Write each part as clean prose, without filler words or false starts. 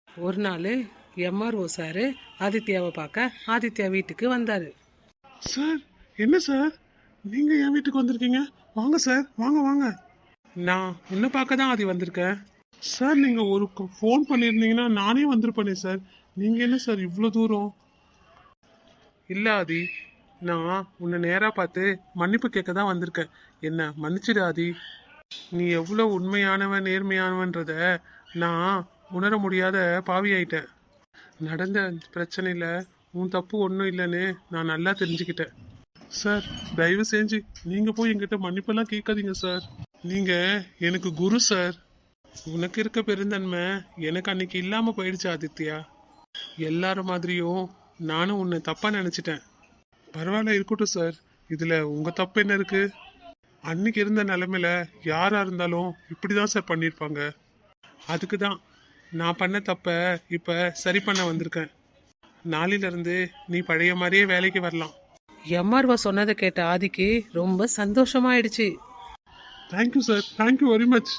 ஒரு நாள் MRO sir ஆதித்யாவை பார்க்க ஆதித்யா வீட்டுக்கு வந்தார். சார், என்ன சார் நீங்க என் வீட்டுக்கு வந்திருக்கீங்க? வாங்க சார், வாங்க வாங்க. நான் உன்னை பார்க்க தான் ஆதி வந்திருக்கேன். சார், நீங்க ஒரு ஃபோன் பண்ணியிருந்தீங்கன்னா நானே வந்திருப்பேனே சார். நீங்க என்ன சார் இவ்வளோ தூரம்? இல்லை ஆதி, நான் உன்னை நேராக பார்த்து மன்னிப்பு கேட்க தான் வந்திருக்கேன். என்ன மன்னிச்சிடு ஆதி. நீ எவ்வளோ உண்மையானவன் நேர்மையானவன்றத நான் உணர முடியாத பாவியாயிட்டேன். நடந்த பிரச்சனையில் உன் தப்பு ஒன்றும் இல்லைன்னு நான் நல்லா தெரிஞ்சுக்கிட்டேன். சார், தயவு செஞ்சு நீங்க போய் என்கிட்ட மன்னிப்பெல்லாம் கேட்காதீங்க சார். நீங்க எனக்கு குரு சார். உனக்கு இருக்க பெருந்தன்மை எனக்கு அன்னைக்கு இல்லாமல் போயிடுச்சு ஆதித்யா. எல்லாரும் மாதிரியும் நானும் உன்னை தப்பாக நினச்சிட்டேன். பரவாயில்ல, இருக்கட்டும் சார். இதுல உங்க தப்பு என்ன இருக்கு? அன்னைக்கு இருந்த நிலைமையில யாரா இருந்தாலும் இப்படிதான் சார் பண்ணியிருப்பாங்க. அதுக்கு தான் நான் பண்ண தப்ப இப்போ சரி பண்ண வந்திருக்கேன். நாளிலிருந்து நீ பழைய மாதிரியே வேலைக்கு வரலாம். எம்ஆர்ஓ சொன்னதை கேட்ட ஆதிக்கு ரொம்ப சந்தோஷமாயிடுச்சு. Thank you sir, thank you very much.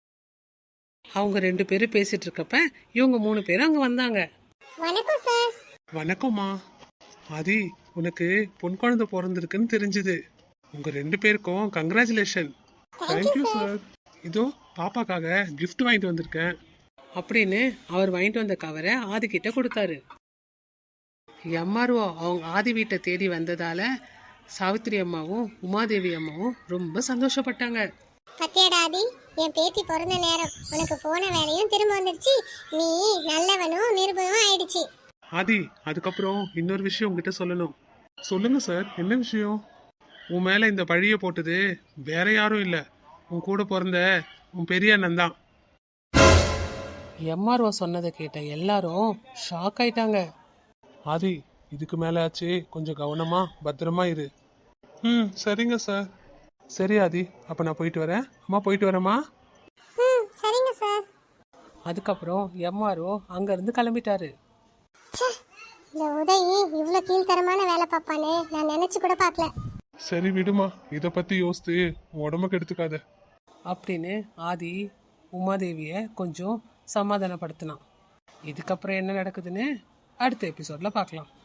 அவங்க 2 பேரும் பேசிட்டு இருக்கப்ப இவங்க 3 பேரும் அங்க வந்தாங்க. வணக்கம் சார். வணக்கம்மா. ஆதி, உனக்கு பொன் குழந்தை பிறந்திருக்குன்னு தெரிஞ்சுது. உங்க 2 பேருக்கும் கங்க்ராச்சுலேஷன். Thank you sir. இதோ பாப்பாக்காக gift வாங்கிட்டு வந்திருக்கேன் அப்படின்னு அவர் வாங்கிட்டு வந்த கவரை ஆதி கிட்ட கொடுத்தாரு. எம்ஆர்ஓ அவங்க ஆதி வீட்டை தேடி வந்ததால சாவித்திரி அம்மாவும் உமாதேவி அம்மாவும் ரொம்ப சந்தோஷப்பட்டாங்க. பத்தியடா ஆதி, என் பேத்தி பிறந்த நேரம் உனக்கு போன வேலையும் திரும்ப வந்துடுச்சு. நீ நல்லவனும் நிருபமும் ஆயிடுச்சு. ஆதி, அதுக்கப்புறம் இன்னொரு விஷயம் உங்ககிட்ட சொல்லணும். சொல்லுங்க சார், என்ன விஷயம்? உன் மேல இந்த பழிய போட்டது வேற யாரும் இல்ல, உன் கூட பிறந்த உன் பெரிய அண்ணன் தான். எம்ஆர்ஓ சொன்னதை கேட்ட எல்லாரும் ஷாக் ஆயிட்டாங்க. ஆதி, இதுக்கு மேல ஆச்சு, கொஞ்சம் கவனமா பத்திரமா இரு. சரிங்க சார். சரி ஆதி, அப்ப நான் போயிட்டு வரேன். அம்மா போயிட்டு வரேம்மா. சரிங்க சார். அதுக்கப்புறம் எம்ஆர்ஓ அங்கிருந்து கிளம்பிட்டாரு. இந்த உதவி இவ்வளவு கீழ்த்தரமான வேலை பார்ப்பானே நான் நினைச்சு கூட பார்க்கல. சரி விடுமா, இத பத்தி யோசித்து உடம்புக்கு எடுத்துக்காத அப்படின்னு ஆதி உமாதேவிய கொஞ்சம் சமாதானப்படுத்தினான். இதுக்கப்புறம் என்ன நடக்குதுன்னு அடுத்த எபிசோட்ல பார்க்கலாம்.